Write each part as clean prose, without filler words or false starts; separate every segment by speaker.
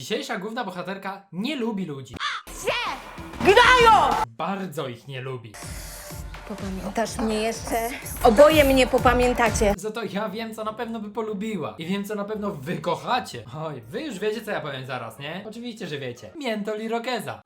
Speaker 1: Dzisiejsza główna bohaterka nie lubi ludzi.
Speaker 2: Gnają!
Speaker 1: Bardzo ich nie lubi.
Speaker 2: Popamiętasz mnie jeszcze? Oboje mnie popamiętacie.
Speaker 1: Za to ja wiem, co na pewno by polubiła. I wiem, co na pewno wy kochacie. Oj, wy już wiecie, co ja powiem zaraz, nie? Oczywiście, że wiecie. Miętol i Rokeza.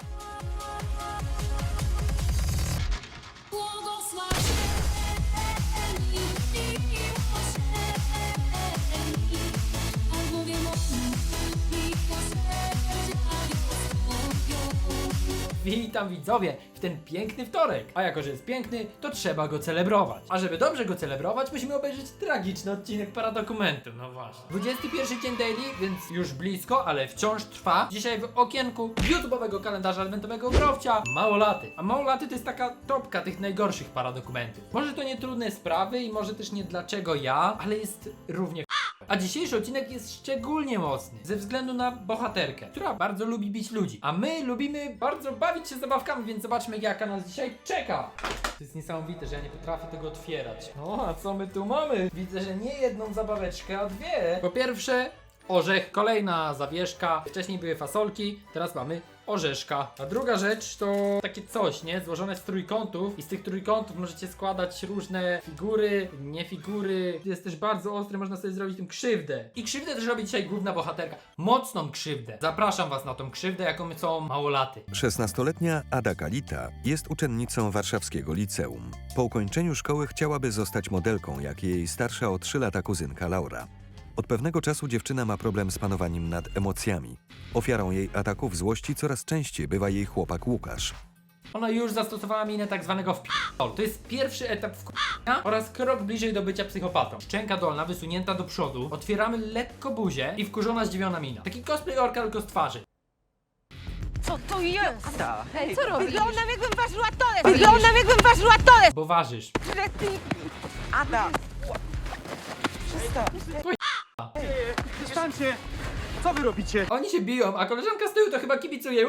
Speaker 1: Witam widzowie w ten piękny wtorek. A jako, że jest piękny, to trzeba go celebrować. A żeby dobrze go celebrować, musimy obejrzeć tragiczny odcinek Paradokumentu. No właśnie. 21 dzień daily, więc już blisko, ale wciąż trwa. Dzisiaj w okienku YouTube'owego kalendarza adwentowego Growcia Małolaty. A Małolaty to jest taka topka tych najgorszych paradokumentów. Może to nie trudne sprawy i może też nie dlaczego ja, ale jest równie a dzisiejszy odcinek jest szczególnie mocny ze względu na bohaterkę, która bardzo lubi bić ludzi. A my lubimy bardzo bawić się zabawkami, więc zobaczmy, jaka nas dzisiaj czeka. To jest niesamowite, że ja nie potrafię tego otwierać. No, a co my tu mamy? Widzę, że nie jedną zabaweczkę, a dwie. Po pierwsze, orzech, kolejna zawieszka. Wcześniej były fasolki, teraz mamy orzeszka. A druga rzecz to takie coś, nie? Złożone z trójkątów i z tych trójkątów możecie składać różne figury, nie figury. Jest też bardzo ostry, można sobie zrobić tym krzywdę. I krzywdę też robi dzisiaj główna bohaterka. Mocną krzywdę. Zapraszam was na tą krzywdę, jaką są Małolaty.
Speaker 3: 16-letnia Ada Kalita jest uczennicą warszawskiego liceum. Po ukończeniu szkoły chciałaby zostać modelką, jak jej starsza o 3 lata kuzynka Laura. Od pewnego czasu dziewczyna ma problem z panowaniem nad emocjami. Ofiarą jej ataków złości coraz częściej bywa jej chłopak Łukasz.
Speaker 1: Ona już zastosowała minę tak zwanego wpi***ol. To jest pierwszy etap wk***a oraz krok bliżej do bycia psychopatą. Szczęka dolna wysunięta do przodu, otwieramy lekko buzię i wkurzona zdziwiona mina. Taki cosplay orka tylko z twarzy.
Speaker 2: Co to jest?
Speaker 4: Ada,
Speaker 2: Hej, co robisz? Wyglądam jakbym ważyła tonę! Wyglądam jakbym ważyła tonę!
Speaker 1: Bo ważysz.
Speaker 4: Ada!
Speaker 5: Przestańcie! Co wy robicie?
Speaker 1: Oni się biją, a koleżanka z tyłu to chyba kibicuje.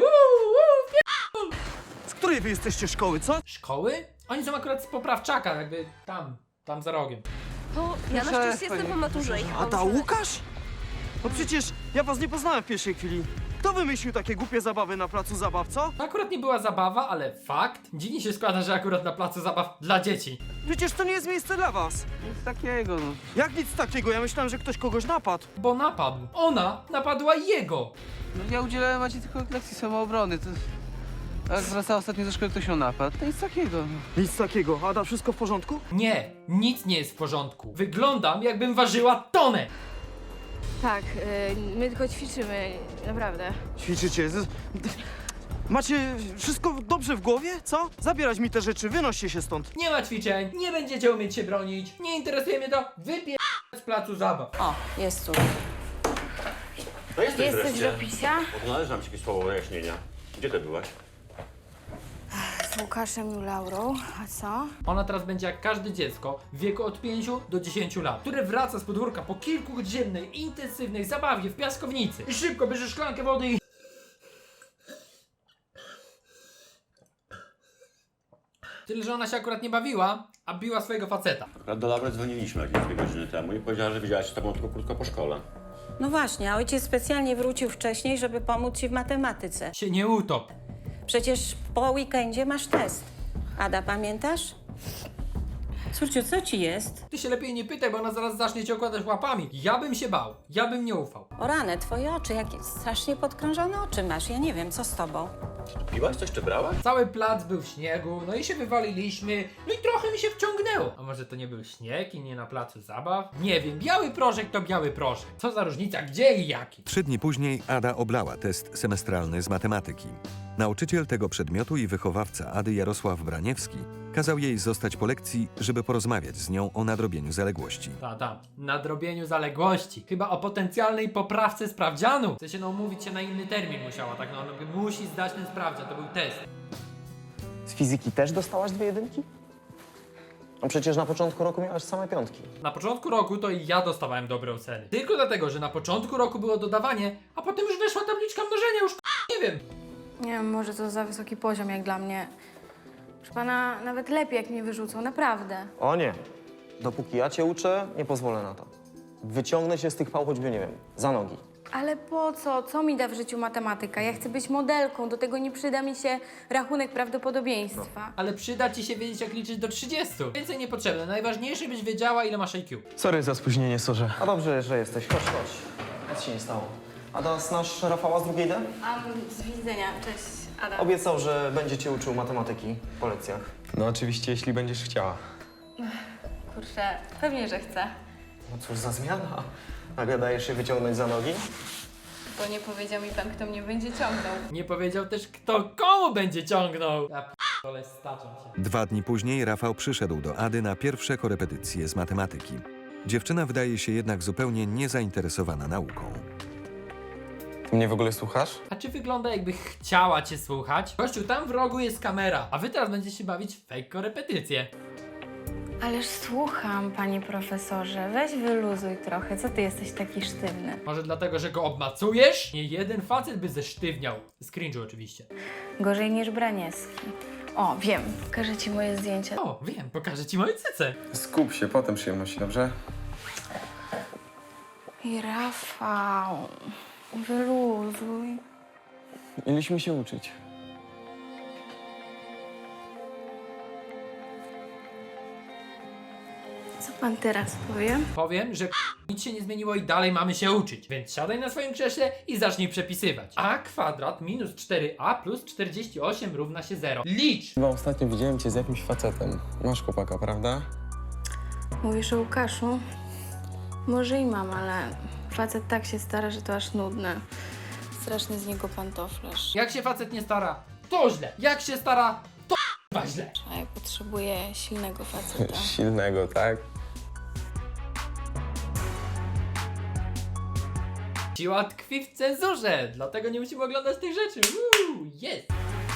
Speaker 5: Z której wy jesteście szkoły, co?
Speaker 1: Szkoły? Oni są akurat z Poprawczaka, jakby tam za rogiem.
Speaker 2: To ja na szczęście jestem po maturze.
Speaker 5: Ada, Łukasz? No przecież ja was nie poznałem w pierwszej chwili. Kto wymyślił takie głupie zabawy na placu zabaw, co?
Speaker 1: To akurat nie była zabawa, ale fakt. Dziwnie się składa, że akurat na placu zabaw dla dzieci.
Speaker 5: Przecież to nie jest miejsce dla was.
Speaker 4: Nic takiego, no.
Speaker 5: Jak nic takiego? Ja myślałem, że ktoś kogoś napadł.
Speaker 1: Bo napadł. Ona napadła jego.
Speaker 4: No ja udzielałem Macie tylko lekcji samoobrony, to... A jak wracała ostatnio ze szkoły, ktoś ją napadł. To nic takiego, no.
Speaker 5: Nic takiego. Ada, wszystko w porządku?
Speaker 1: Nie, nic nie jest w porządku. Wyglądam, jakbym ważyła tonę.
Speaker 6: Tak, my tylko ćwiczymy, naprawdę.
Speaker 5: Ćwiczycie. Macie wszystko dobrze w głowie, co? Zabierać mi te rzeczy, wynoście się stąd.
Speaker 1: Nie ma ćwiczeń, nie będziecie umieć się bronić, nie interesuje mnie to, z placu zabaw.
Speaker 2: O, jest tu.
Speaker 7: To jesteś
Speaker 6: Jesteś
Speaker 7: wreszcie.
Speaker 6: do picia?
Speaker 7: Bo należy nam ci jakieś słowo wyjaśnienia. Gdzie ty byłaś?
Speaker 6: Z Łukaszem i Laurą, a co?
Speaker 1: Ona teraz będzie jak każde dziecko w wieku od 5 do 10 lat, które wraca z podwórka po kilkugodzinnej, intensywnej zabawie w piaskownicy. I szybko bierze szklankę wody i... Tyle, że ona się akurat nie bawiła, a biła swojego faceta.
Speaker 7: Akurat do Laury dzwoniliśmy jakieś 2 godziny temu i powiedziała, że widziałaś się z tobą tylko krótko po szkole.
Speaker 8: No właśnie, a ojciec specjalnie wrócił wcześniej, żeby pomóc ci w matematyce.
Speaker 1: Się nie utop.
Speaker 8: Przecież po weekendzie masz test. Ada, pamiętasz? Córciu, co ci jest?
Speaker 1: Ty się lepiej nie pytaj, bo ona zaraz zacznie cię okładać łapami. Ja bym się bał, ja bym nie ufał.
Speaker 8: O rany, twoje oczy, jakie strasznie podkrążone oczy masz. Ja nie wiem, co z tobą.
Speaker 7: Czy ty piłaś coś czy brałaś?
Speaker 1: Cały plac był w śniegu, no i się wywaliliśmy, no i trochę mi się wciągnęło. A może to nie był śnieg i nie na placu zabaw? Nie wiem, biały proszek to biały proszek. Co za różnica, gdzie i jaki?
Speaker 3: 3 dni później Ada oblała test semestralny z matematyki. Nauczyciel tego przedmiotu i wychowawca Ady Jarosław Braniewski kazał jej zostać po lekcji, żeby porozmawiać z nią o nadrobieniu zaległości.
Speaker 1: Nadrobieniu zaległości. Chyba o potencjalnej poprawce sprawdzianu. Chce się no umówić się na inny termin musiała, tak no ona musi zdać ten sprawdzian, to był test.
Speaker 9: Z fizyki też dostałaś 2 jedynki? No przecież na początku roku miałaś same 5.
Speaker 1: Na początku roku to i ja dostawałem dobre oceny. Tylko dlatego, że na początku roku było dodawanie, a potem już weszła tabliczka mnożenia, już nie wiem.
Speaker 6: Nie wiem, może to za wysoki poziom jak dla mnie. Proszę pana, nawet lepiej jak mnie wyrzucą, naprawdę.
Speaker 9: O nie. Dopóki ja cię uczę, nie pozwolę na to. Wyciągnę się z tych pał choćby, nie wiem, za nogi.
Speaker 6: Ale po co? Co mi da w życiu matematyka? Ja chcę być modelką, do tego nie przyda mi się rachunek prawdopodobieństwa.
Speaker 1: Ale przyda ci się wiedzieć, jak liczyć do 30. Więcej niepotrzebne. Najważniejsze, byś wiedziała, ile masz IQ.
Speaker 9: Sorry za spóźnienie, sorze. A dobrze, że jesteś. Chodź, chodź. Nic się nie stało. Ada, znasz Rafała z drugiej D?
Speaker 6: Z widzenia. Cześć, Ada.
Speaker 9: Obiecał, że będzie cię uczył matematyki po lekcjach.
Speaker 10: No oczywiście, jeśli będziesz chciała.
Speaker 6: Kurczę, pewnie, że chcę.
Speaker 9: No cóż za zmiana. Nagle dajesz się wyciągnąć za nogi?
Speaker 6: Bo nie powiedział mi pan, kto mnie będzie ciągnął.
Speaker 1: Nie powiedział też, kto komu będzie ciągnął. Ja p***ole, staczam się.
Speaker 3: 2 dni później Rafał przyszedł do Ady na pierwsze korepetycje z matematyki. Dziewczyna wydaje się jednak zupełnie niezainteresowana nauką.
Speaker 10: Ty mnie w ogóle słuchasz?
Speaker 1: A czy wygląda, jakby chciała cię słuchać? Gościu, tam w rogu jest kamera, a wy teraz będziecie się bawić w fake korepetycje.
Speaker 6: Ależ słucham, panie profesorze. Weź wyluzuj trochę. Co ty jesteś taki sztywny?
Speaker 1: Może dlatego, że go obmacujesz? Nie jeden facet by zesztywniał. Z cringe'u oczywiście.
Speaker 6: Gorzej niż Braniewski. O, wiem. Pokażę ci moje zdjęcia.
Speaker 1: O, wiem, pokażę ci moje cyce.
Speaker 10: Skup się, potem przyjemności, dobrze?
Speaker 6: I Rafał, wyluzuj.
Speaker 10: Mieliśmy się uczyć.
Speaker 6: Co pan teraz powie?
Speaker 1: Powiem, że nic się nie zmieniło i dalej mamy się uczyć. Więc siadaj na swoim krześle i zacznij przepisywać. A kwadrat minus 4a plus 48 równa się 0. Licz!
Speaker 10: Chyba ostatnio widziałem cię z jakimś facetem. Masz chłopaka, prawda?
Speaker 6: Mówisz o Łukaszu? Może i mam, ale facet tak się stara, że to aż nudne. Straszny z niego pantoflarz.
Speaker 1: Jak się facet nie stara, to źle. Jak się stara, to źle.
Speaker 6: A ja potrzebuję silnego faceta.
Speaker 10: Silnego, tak?
Speaker 1: Siła tkwi w cenzurze, dlatego nie musimy oglądać tych rzeczy. Jest!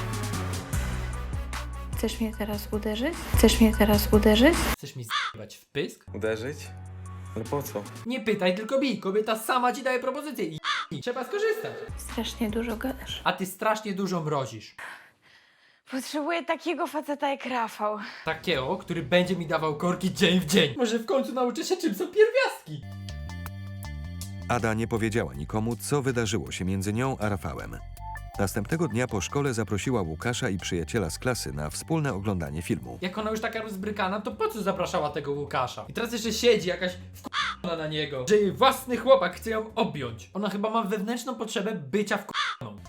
Speaker 6: Chcesz mnie teraz uderzyć? Chcesz mnie teraz uderzyć?
Speaker 1: Chcesz mi z***ać w pysk?
Speaker 10: Uderzyć? Ale po co?
Speaker 1: Nie pytaj, tylko bij. Kobieta sama ci daje propozycję i trzeba skorzystać.
Speaker 6: Strasznie dużo gadasz.
Speaker 1: A ty strasznie dużo mrozisz.
Speaker 2: Potrzebuję takiego faceta jak Rafał.
Speaker 1: Takiego, który będzie mi dawał korki dzień w dzień. Może w końcu nauczę się, czym są pierwiastki.
Speaker 3: Ada nie powiedziała nikomu, co wydarzyło się między nią a Rafałem. Następnego dnia po szkole zaprosiła Łukasza i przyjaciela z klasy na wspólne oglądanie filmu.
Speaker 1: Jak ona już taka rozbrykana, to po co zapraszała tego Łukasza? I teraz jeszcze siedzi jakaś wkurwiona na niego, że jej własny chłopak chce ją objąć. Ona chyba ma wewnętrzną potrzebę bycia wkurwioną.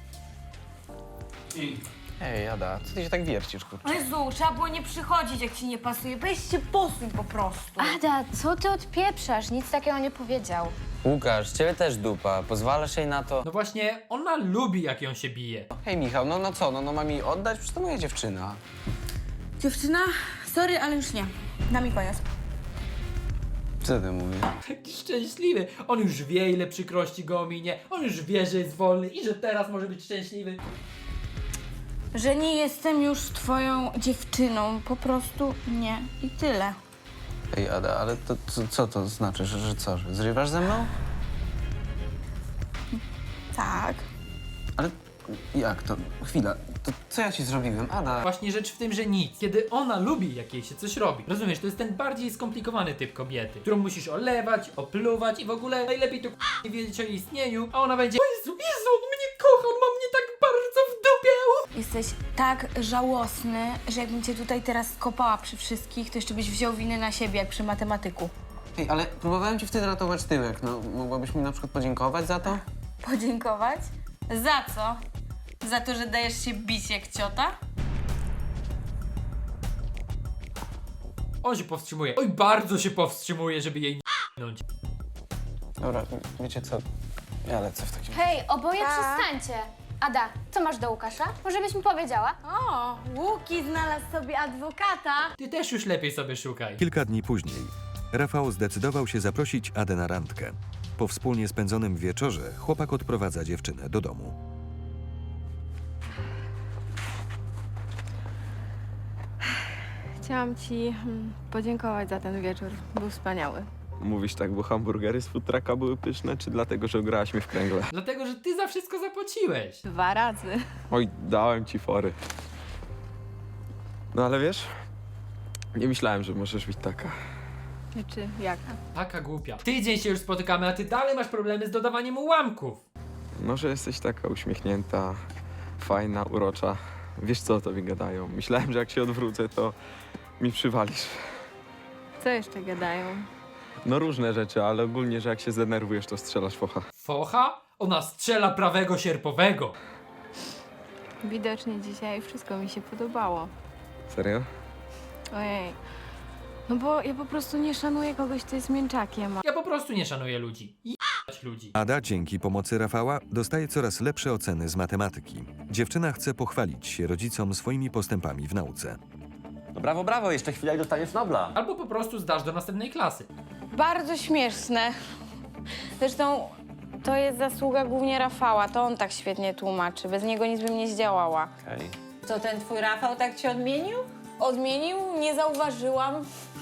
Speaker 9: Ej, Ada, co ty się tak wiercisz, kurczę?
Speaker 2: Jezu, trzeba było nie przychodzić, jak ci nie pasuje. Weź się posuń po prostu.
Speaker 11: Ada, co ty odpieprzasz? Nic takiego nie powiedział.
Speaker 12: Łukasz, ciebie też dupa. Pozwalasz jej na to?
Speaker 1: No właśnie, ona lubi, jak ją się bije.
Speaker 9: Hej, Michał, no co? No mam jej oddać? Przecież to moja dziewczyna.
Speaker 2: Dziewczyna, sorry, ale już nie. Da mi koniec.
Speaker 9: Co ty mówisz?
Speaker 1: Taki szczęśliwy. On już wie, ile przykrości go ominie. On już wie, że jest wolny i że teraz może być szczęśliwy.
Speaker 2: Że nie jestem już twoją dziewczyną. Po prostu nie. I tyle.
Speaker 9: Ej, Ada, ale to co to znaczy? Że co? Że zrywasz ze mną?
Speaker 2: Tak.
Speaker 9: Ale jak to? Chwila. To co ja ci zrobiłem, Ada?
Speaker 1: Właśnie rzecz w tym, że nic. Kiedy ona lubi, jak jej się coś robi. Rozumiesz, to jest ten bardziej skomplikowany typ kobiety, którą musisz olewać, opluwać i w ogóle najlepiej to nie wiedzieć o jej istnieniu, a ona będzie: o Jezu, on mnie kocha, on ma mnie tak bardzo w dupie.
Speaker 2: Jesteś tak żałosny, że jakbym cię tutaj teraz skopała przy wszystkich, to jeszcze byś wziął winę na siebie, jak przy matematyku.
Speaker 9: Ej, ale próbowałem ci wtedy ratować tyłek. No, mogłabyś mi na przykład podziękować za to?
Speaker 2: Podziękować? Za co? Za to, że dajesz się bić jak ciota?
Speaker 1: On się powstrzymuje. Oj, bardzo się powstrzymuje, żeby jej nie ***nąć.
Speaker 9: Dobra, wiecie co? Ja lecę w takim...
Speaker 11: Hej, oboje przestańcie. Ada, co masz do Łukasza? Może byś mi powiedziała?
Speaker 2: O, Łuki znalazł sobie adwokata.
Speaker 1: Ty też już lepiej sobie szukaj.
Speaker 3: Kilka dni później Rafał zdecydował się zaprosić Adę na randkę. Po wspólnie spędzonym wieczorze chłopak odprowadza dziewczynę do domu.
Speaker 6: Chciałam ci podziękować za ten wieczór. Był wspaniały.
Speaker 10: Mówisz tak, bo hamburgery z food trucka były pyszne, czy dlatego, że ograłaś mnie w kręgle?
Speaker 1: Dlatego, że ty za wszystko zapłaciłeś.
Speaker 6: 2 razy.
Speaker 10: Oj, dałem ci fory. No ale wiesz, nie myślałem, że możesz być taka.
Speaker 6: Znaczy, jaka?
Speaker 1: Taka głupia. Tydzień się już spotykamy, a ty dalej masz problemy z dodawaniem ułamków.
Speaker 10: No, że jesteś taka uśmiechnięta, fajna, urocza. Wiesz co o tobie gadają. Myślałem, że jak się odwrócę, to mi przywalisz.
Speaker 6: Co jeszcze gadają?
Speaker 10: No różne rzeczy, ale ogólnie, że jak się zdenerwujesz, to strzelasz focha.
Speaker 1: Focha? Ona strzela prawego sierpowego.
Speaker 6: Widocznie dzisiaj wszystko mi się podobało.
Speaker 10: Serio?
Speaker 6: Ojej. No bo ja po prostu nie szanuję kogoś, kto jest mięczakiem.
Speaker 1: Ja po prostu nie szanuję ludzi. Jebać ludzi.
Speaker 3: Ada dzięki pomocy Rafała dostaje coraz lepsze oceny z matematyki. Dziewczyna chce pochwalić się rodzicom swoimi postępami w nauce.
Speaker 7: No brawo, brawo, jeszcze chwila i dostaniesz Nobla.
Speaker 1: Albo po prostu zdasz do następnej klasy.
Speaker 2: Bardzo śmieszne. Zresztą to jest zasługa głównie Rafała. To on tak świetnie tłumaczy. Bez niego nic bym nie zdziałała.
Speaker 7: Okej.
Speaker 8: Co, ten twój Rafał tak cię odmienił?
Speaker 2: Odmienił? Nie zauważyłam.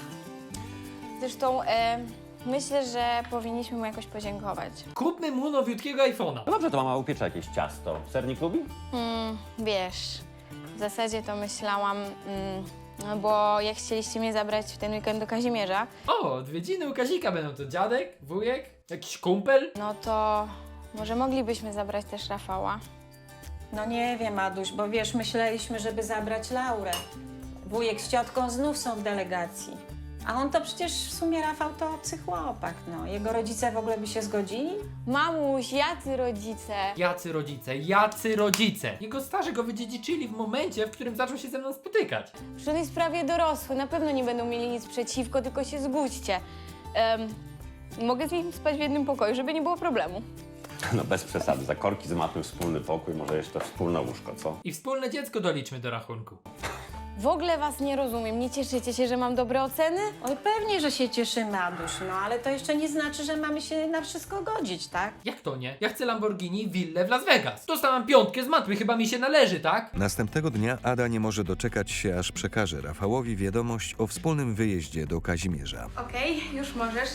Speaker 2: Zresztą myślę, że powinniśmy mu jakoś podziękować.
Speaker 1: Kupmy mu nowiutkiego iPhone'a.
Speaker 7: No dobrze, to mama upiecze jakieś ciasto. Sernik lubi?
Speaker 2: Wiesz, w zasadzie to myślałam, no bo jak chcieliście mnie zabrać w ten weekend do Kazimierza,
Speaker 1: O, odwiedziny u Kazika będą to dziadek, wujek, jakiś kumpel.
Speaker 2: no to może moglibyśmy zabrać też Rafała.
Speaker 8: No nie wiem, Aduś, bo wiesz, myśleliśmy, żeby zabrać Laurę. Wujek z ciotką znów są w delegacji. A on to przecież w sumie, Rafał, to obcy chłopak, no. Jego rodzice w ogóle by się zgodzili?
Speaker 2: Mamuś, jacy rodzice?
Speaker 1: Jacy rodzice, jacy rodzice. Jego starzy go wydziedziczyli w momencie, w którym zaczął się ze mną spotykać.
Speaker 2: Przecież on jest prawie dorosły, na pewno nie będą mieli nic przeciwko, tylko się zgódźcie. Mogę z nim spać w jednym pokoju, żeby nie było problemu.
Speaker 7: No bez przesady, za korki z matem wspólny pokój, może jeszcze wspólne łóżko, co?
Speaker 1: I wspólne dziecko doliczmy do rachunku.
Speaker 2: W ogóle was nie rozumiem, nie cieszycie się, że mam dobre oceny?
Speaker 8: Oj, pewnie, że się cieszymy, Aduś, no ale to jeszcze nie znaczy, że mamy się na wszystko godzić, tak?
Speaker 1: Jak to nie? Ja chcę Lamborghini willę w Las Vegas. Dostałam 5 z matmy, chyba mi się należy, tak?
Speaker 3: Następnego dnia Ada nie może doczekać się, aż przekaże Rafałowi wiadomość o wspólnym wyjeździe do Kazimierza.
Speaker 2: Okej, już możesz.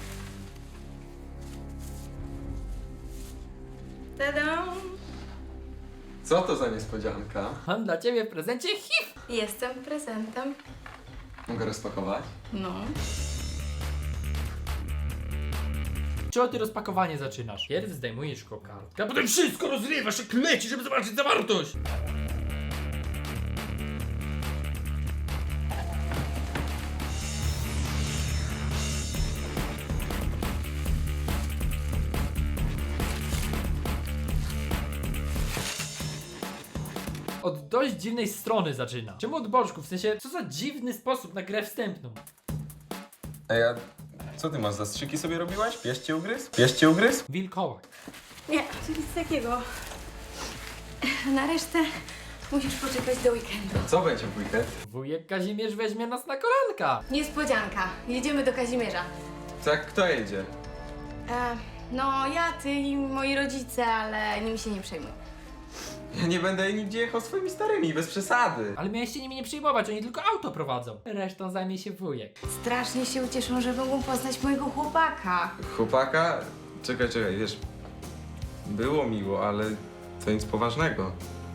Speaker 2: Tada!
Speaker 10: Co to za niespodzianka?
Speaker 1: Mam dla ciebie w prezencie HIV.
Speaker 6: Jestem prezentem.
Speaker 10: Mogę rozpakować?
Speaker 6: No.
Speaker 1: Czego ty rozpakowanie zaczynasz? Pierw zdejmujesz kokardkę, a potem wszystko rozrywasz jak leci, żeby zobaczyć zawartość. Od dość dziwnej strony zaczyna. Czemu od boczku? W sensie, co za dziwny sposób na grę wstępną.
Speaker 10: Ej, a co ty masz, zastrzyki sobie robiłaś? Pies cię ugryzł? Pies cię ugryzł?
Speaker 1: Wilkołak.
Speaker 6: Nie, to nic takiego. Na resztę musisz poczekać do weekendu.
Speaker 10: Co będzie w weekend?
Speaker 1: Wujek Kazimierz weźmie nas na kolanka.
Speaker 6: Niespodzianka. Jedziemy do Kazimierza.
Speaker 10: Tak, kto jedzie?
Speaker 6: No, ja, ty i moi rodzice, ale nimi się nie przejmuj.
Speaker 10: Ja nie będę nigdzie jechał swoimi starymi, bez przesady.
Speaker 1: Ale mieliście nimi nie przejmować, oni tylko auto prowadzą. Resztą zajmie się wujek.
Speaker 6: Strasznie się ucieszą, że mogą poznać mojego chłopaka.
Speaker 10: Chłopaka? Czekaj, wiesz, było miło, ale to nic poważnego.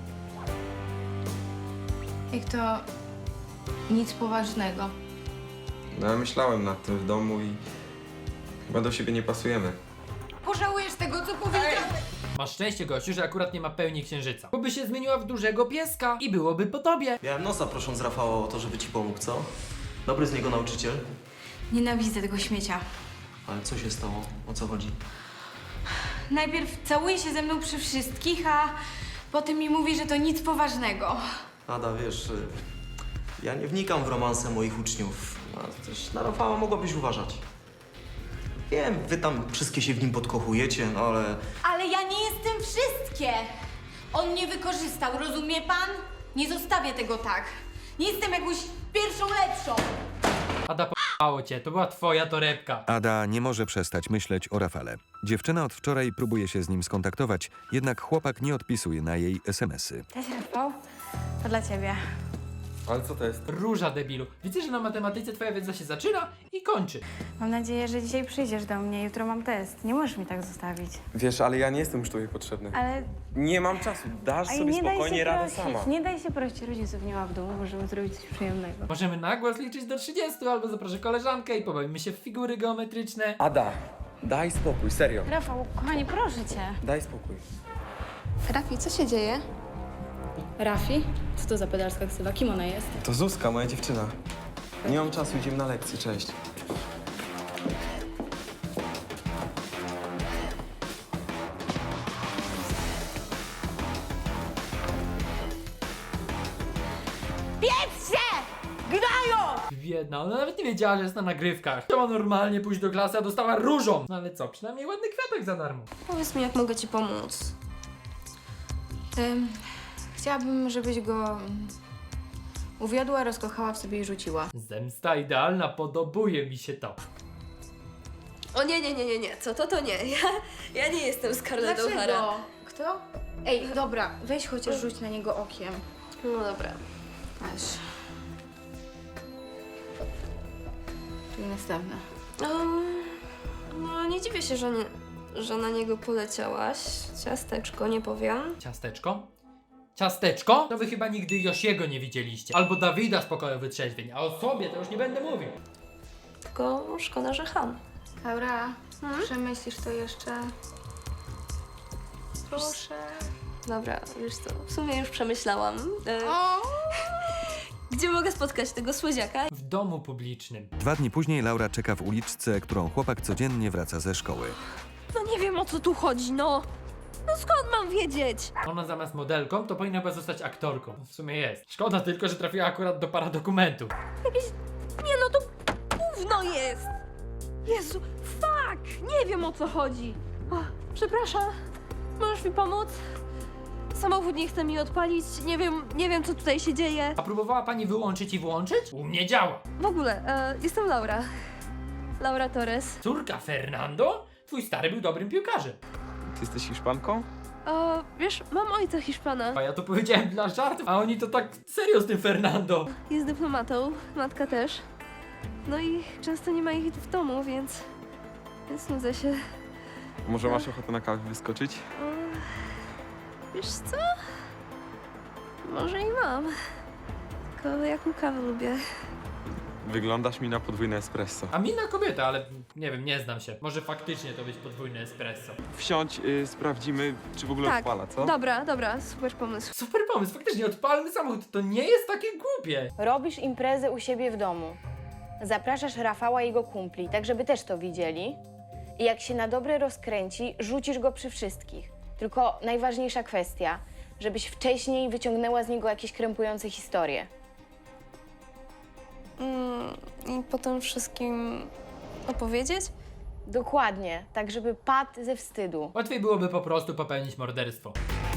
Speaker 6: Jak to nic poważnego.
Speaker 10: No ja myślałem nad tym w domu i chyba do siebie nie pasujemy.
Speaker 6: Pożałujesz tego, co powiedziałeś?
Speaker 1: Masz szczęście, gościu, że akurat nie ma pełni księżyca. Bo by się zmieniła w dużego pieska i byłoby po tobie.
Speaker 5: Miałem nosa prosząc Rafała o to, żeby ci pomógł, co? Dobry z niego nauczyciel.
Speaker 6: Nienawidzę tego śmiecia.
Speaker 5: Ale co się stało? O co chodzi?
Speaker 6: Najpierw całuje się ze mną przy wszystkich, a potem mi mówi, że to nic poważnego.
Speaker 5: Ada, wiesz, ja nie wnikam w romanse moich uczniów, a też na Rafała mogłabyś uważać. Wiem, wy tam wszystkie się w nim podkochujecie, no ale...
Speaker 2: Ale ja nie jestem wszystkie! On mnie wykorzystał, rozumie pan? Nie zostawię tego tak. Nie jestem jakąś pierwszą lepszą.
Speaker 1: Ada, p***ało cię, to była twoja torebka.
Speaker 3: Ada nie może przestać myśleć o Rafale. Dziewczyna od wczoraj próbuje się z nim skontaktować, jednak chłopak nie odpisuje na jej SMS-y.
Speaker 2: Cześć, Rafał. To dla ciebie.
Speaker 10: Ale co to jest?
Speaker 1: Róża, debilu. Widzę, że na matematyce twoja wiedza się zaczyna i kończy.
Speaker 6: Mam nadzieję, że dzisiaj przyjdziesz do mnie. Jutro mam test. Nie możesz mi tak zostawić.
Speaker 10: Wiesz, ale ja nie jestem już tobie potrzebny.
Speaker 6: Ale
Speaker 10: Nie mam czasu, dasz
Speaker 6: Ej,
Speaker 10: sobie
Speaker 6: nie daj
Speaker 10: spokojnie
Speaker 6: się
Speaker 10: radę
Speaker 6: prosić.
Speaker 10: sama.
Speaker 6: Nie daj się prosić, rodziców nie ma w domu. Możemy zrobić coś przyjemnego.
Speaker 1: Możemy na głos liczyć do 30, albo zaproszę koleżankę i pobawimy się w figury geometryczne.
Speaker 10: Ada, daj spokój, serio.
Speaker 6: Rafał, kochanie, proszę cię.
Speaker 10: Daj spokój.
Speaker 11: Rafi, co się dzieje?
Speaker 6: Rafi? Co to za pedalska ksywa? Kim ona jest?
Speaker 10: To Zuzka, moja dziewczyna. Nie mam czasu, idziemy na lekcję, cześć.
Speaker 1: Biedna, ona nawet nie wiedziała, że jest na nagrywkach. Chciała normalnie pójść do klasy, a dostała różą. No ale co, przynajmniej ładny kwiatek za darmo.
Speaker 11: Powiedz mi, jak mogę ci pomóc.
Speaker 6: Chciałabym, żebyś go uwiodła, rozkochała w sobie i rzuciła.
Speaker 1: Zemsta idealna, podobuje mi się to.
Speaker 11: O nie, co to nie. Ja nie jestem Scarlett O'Hara.
Speaker 6: Dlaczego? Kto? Ej, dobra, weź chociaż rzuć na niego okiem.
Speaker 11: No dobra.
Speaker 6: Masz. Tu następna.
Speaker 11: No nie dziwię się, że na niego poleciałaś. Ciasteczko, nie powiem.
Speaker 1: Ciasteczko? Ciasteczko? To wy chyba nigdy Josiego nie widzieliście. Albo Dawida z pokoju wytrzeźwień, a o sobie to już nie będę mówił.
Speaker 11: Tylko szkoda, że Han.
Speaker 6: Laura, przemyślisz to jeszcze? Proszę.
Speaker 11: Dobra, wiesz co, w sumie już przemyślałam. Gdzie mogę spotkać tego słodziaka?
Speaker 1: W domu publicznym.
Speaker 3: 2 dni później Laura czeka w uliczce, którą chłopak codziennie wraca ze szkoły.
Speaker 11: No nie wiem, o co tu chodzi, no. No skąd mam wiedzieć?
Speaker 1: Ona zamiast modelką, to powinna była zostać aktorką. W sumie jest. Szkoda tylko, że trafiła akurat do paradokumentu.
Speaker 11: Nie no, to gówno jest! Jezu, fuck! Nie wiem, o co chodzi. O, przepraszam, możesz mi pomóc? Samochód nie chce mi odpalić, nie wiem, co tutaj się dzieje.
Speaker 1: A próbowała pani wyłączyć i włączyć? U mnie działa.
Speaker 11: W ogóle, jestem Laura. Laura Torres.
Speaker 1: Córka Fernando? Twój stary był dobrym piłkarzem.
Speaker 10: Ty jesteś Hiszpanką?
Speaker 11: Wiesz, mam ojca Hiszpana.
Speaker 1: A ja to powiedziałem dla żartów, a oni to tak serio z tym Fernando.
Speaker 11: Jest dyplomatą, matka też. No i często nie ma ich w domu, więc nudzę się.
Speaker 10: Może masz ochotę na kawę wyskoczyć?
Speaker 11: Wiesz co? Może i mam. Tylko jaką kawę lubię.
Speaker 10: Wyglądasz mi na podwójne espresso.
Speaker 1: A mina kobieta, ale nie wiem, nie znam się. Może faktycznie to być podwójne espresso.
Speaker 10: Wsiądź, sprawdzimy, czy w ogóle
Speaker 11: Tak.
Speaker 10: odpala, co?
Speaker 11: Dobra, super pomysł.
Speaker 1: Super pomysł, faktycznie odpalny samochód, to nie jest takie głupie.
Speaker 6: Robisz imprezę u siebie w domu. Zapraszasz Rafała i jego kumpli, tak żeby też to widzieli. I jak się na dobre rozkręci, rzucisz go przy wszystkich. Tylko najważniejsza kwestia, żebyś wcześniej wyciągnęła z niego jakieś krępujące historie.
Speaker 11: I potem wszystkim opowiedzieć?
Speaker 6: Dokładnie, tak żeby padł ze wstydu.
Speaker 1: Łatwiej byłoby po prostu popełnić morderstwo.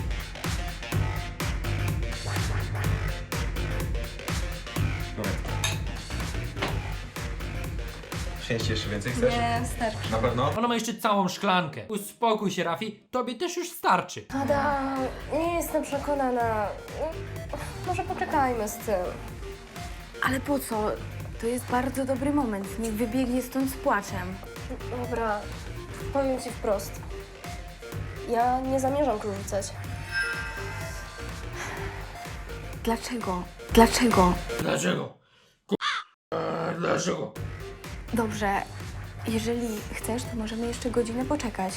Speaker 10: Przynieść jeszcze więcej chcesz?
Speaker 11: Nie, starczy.
Speaker 10: Na pewno?
Speaker 1: Ona ma jeszcze całą szklankę. Uspokój się, Rafi, tobie też już starczy.
Speaker 11: Ada, nie jestem przekonana. Może poczekajmy z tym.
Speaker 6: Ale po co? To jest bardzo dobry moment. Niech wybiegnie stąd z płaczem.
Speaker 11: Dobra, powiem ci wprost. Ja nie zamierzam tu rzucać.
Speaker 6: Dlaczego? Dlaczego?
Speaker 1: Dlaczego? Dlaczego?
Speaker 6: Dobrze, jeżeli chcesz, to możemy jeszcze godzinę poczekać.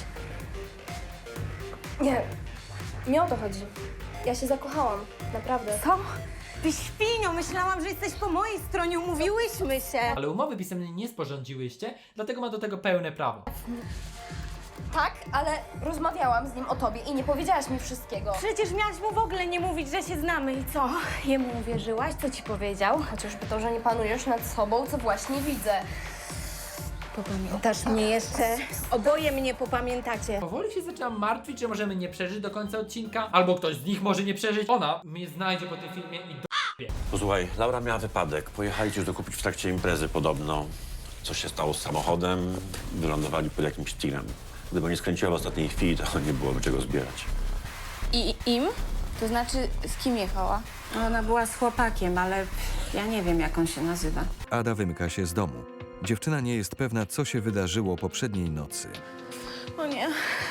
Speaker 11: Nie o to chodzi. Ja się zakochałam, naprawdę.
Speaker 6: Co? Ty świnio, myślałam, że jesteś po mojej stronie, umówiłyśmy się.
Speaker 1: Ale umowy pisemnej nie sporządziłyście, dlatego ma do tego pełne prawo.
Speaker 11: Tak, ale rozmawiałam z nim o tobie i nie powiedziałaś mi wszystkiego.
Speaker 6: Przecież miałaś mu w ogóle nie mówić, że się znamy i co? Jemu uwierzyłaś? Co ci powiedział?
Speaker 11: Chociażby to, że nie panujesz nad sobą, co właśnie widzę.
Speaker 6: Popamiętasz mnie jeszcze? Oboje mnie popamiętacie.
Speaker 1: Powoli się zaczynam martwić, że możemy nie przeżyć do końca odcinka, albo ktoś z nich może nie przeżyć. Ona mnie znajdzie po tym filmie i
Speaker 7: Posłuchaj, Laura miała wypadek. Pojechali coś dokupić w trakcie imprezy podobno. Coś się stało z samochodem, wylądowali pod jakimś tirem. Gdyby nie skręciła w ostatniej chwili, to nie byłoby czego zbierać.
Speaker 11: I im?
Speaker 6: To znaczy, z kim jechała?
Speaker 8: Ona była z chłopakiem, ale ja nie wiem, jak on się nazywa.
Speaker 3: Ada wymyka się z domu. Dziewczyna nie jest pewna, co się wydarzyło poprzedniej nocy.
Speaker 11: O nie.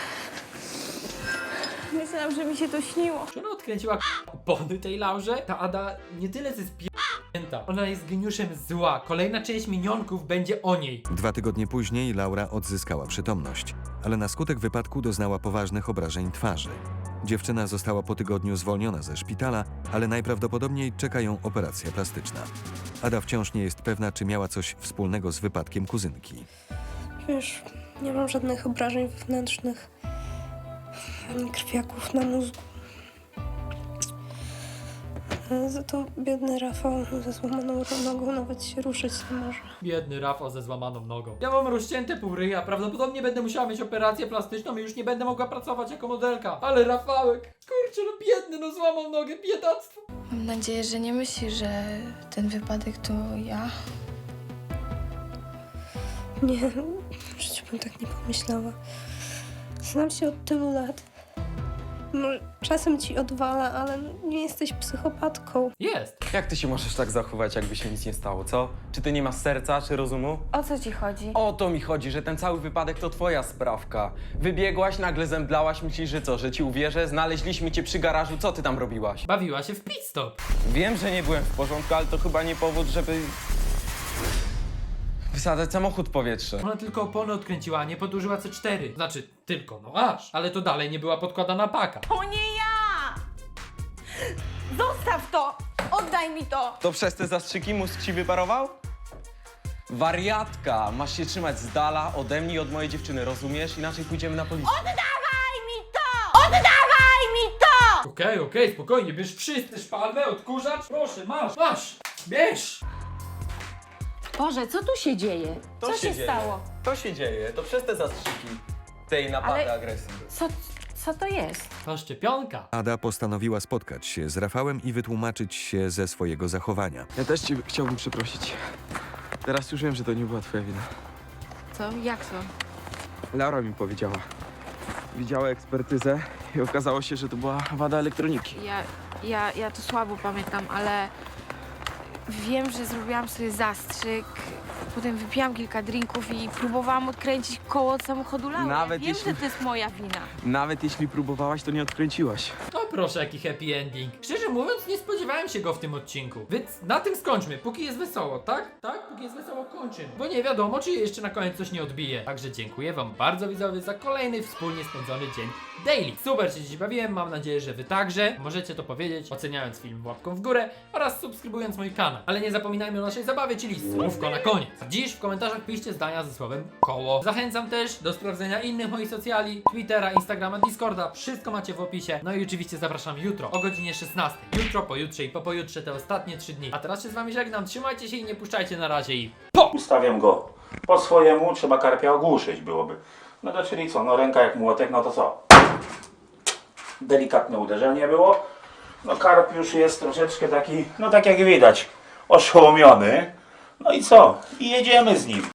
Speaker 11: Myślałam, że mi się to śniło.
Speaker 1: Czy ona odkręciła opony tej Laurze? Ta Ada nie tyle co jest p***nięta. Ona jest geniuszem zła. Kolejna część Minionków będzie o niej. 2
Speaker 3: tygodnie później Laura odzyskała przytomność, ale na skutek wypadku doznała poważnych obrażeń twarzy. Dziewczyna została po tygodniu zwolniona ze szpitala, ale najprawdopodobniej czeka ją operacja plastyczna. Ada wciąż nie jest pewna, czy miała coś wspólnego z wypadkiem kuzynki.
Speaker 11: Wiesz, nie mam żadnych obrażeń wewnętrznych, ani krwiaków na mózgu. Za to biedny Rafał ze złamaną nogą nawet się ruszyć nie może.
Speaker 1: Biedny Rafał ze złamaną nogą. Ja mam rozcięte pół ryja, prawdopodobnie będę musiała mieć operację plastyczną i już nie będę mogła pracować jako modelka. Ale Rafałek, kurczę, no biedny, no złamał nogę, biedactwo.
Speaker 6: Mam nadzieję, że nie myśli, że ten wypadek to ja.
Speaker 11: Nie, w życiu bym tak nie pomyślała. Znam cię od tylu lat. Może czasem ci odwala, ale nie jesteś psychopatką.
Speaker 1: Jest.
Speaker 10: Jak ty się możesz tak zachować, jakby się nic nie stało, co? Czy ty nie masz serca, czy rozumu?
Speaker 6: O co ci chodzi?
Speaker 10: O to mi chodzi, że ten cały wypadek to twoja sprawka. Wybiegłaś, nagle zemdlałaś, myślisz, że co, że ci uwierzę? Znaleźliśmy cię przy garażu, co ty tam robiłaś?
Speaker 1: Bawiła się w pit stop.
Speaker 10: Wiem, że nie byłem w porządku, ale to chyba nie powód, żeby wysadzać samochód w powietrze.
Speaker 1: Ona tylko opony odkręciła, a nie podłużyła C4. Znaczy, tylko, no aż. Ale to dalej nie była podkładana paka.
Speaker 2: To nie ja! Zostaw to! Oddaj mi to!
Speaker 10: To przez te zastrzyki mózg ci wyparował? Wariatka! Masz się trzymać z dala ode mnie i od mojej dziewczyny, rozumiesz? Inaczej pójdziemy na policję.
Speaker 2: Oddawaj mi to! Oddawaj mi to!
Speaker 1: Okej, spokojnie, bierz wszyscy szpalmę, odkurzacz. Proszę, masz, bierz.
Speaker 8: Boże, co tu się dzieje? Co się stało?
Speaker 10: To się dzieje, to przez te zastrzyki tej napady
Speaker 8: Ale-
Speaker 10: agresji.
Speaker 8: Co to jest?
Speaker 1: To szczepionka.
Speaker 3: Ada postanowiła spotkać się z Rafałem i wytłumaczyć się ze swojego zachowania.
Speaker 10: Ja też cię chciałbym przeprosić. Teraz już wiem, że to nie była twoja wina.
Speaker 6: Co? Jak to?
Speaker 10: Laura mi powiedziała. Widziała ekspertyzę i okazało się, że to była wada elektroniki.
Speaker 6: Ja to słabo pamiętam, ale wiem, że zrobiłam sobie zastrzyk. Potem wypiłam kilka drinków i próbowałam odkręcić koło od samochodu Laury.
Speaker 10: Nawet
Speaker 6: Wiem,
Speaker 10: jeśli-
Speaker 6: że to jest moja wina.
Speaker 10: Nawet jeśli próbowałaś, to nie odkręciłaś.
Speaker 1: No proszę, jaki happy ending. Szczerze mówiąc, nie spodziewałem się go w tym odcinku. Więc na tym skończmy, póki jest wesoło, tak? Tak? Póki jest wesoło, kończymy. Bo nie wiadomo, czy jeszcze na koniec coś nie odbije. Także dziękuję wam bardzo, widzowie, za kolejny wspólnie spędzony dzień daily. Super się dziś bawiłem, mam nadzieję, że wy także. Możecie to powiedzieć, oceniając film łapką w górę oraz subskrybując mój kanał. Ale nie zapominajmy o naszej zabawie, czyli słówko na koniec. Dziś w komentarzach piszcie zdania ze słowem koło. Zachęcam też do sprawdzenia innych moich socjali, Twittera, Instagrama, Discorda. Wszystko macie w opisie. No i oczywiście zapraszam jutro o godzinie 16. Jutro, pojutrze i po pojutrze te ostatnie 3 dni. A teraz się z wami żegnam. Trzymajcie się i nie puszczajcie na razie i
Speaker 13: Ustawiam go po swojemu, trzeba karpia ogłuszyć byłoby. No to czyli co, no ręka jak młotek, no to co? Delikatne uderzenie było. No karp już jest troszeczkę taki, no tak jak widać, oszołomiony. No i co? I jedziemy z nim.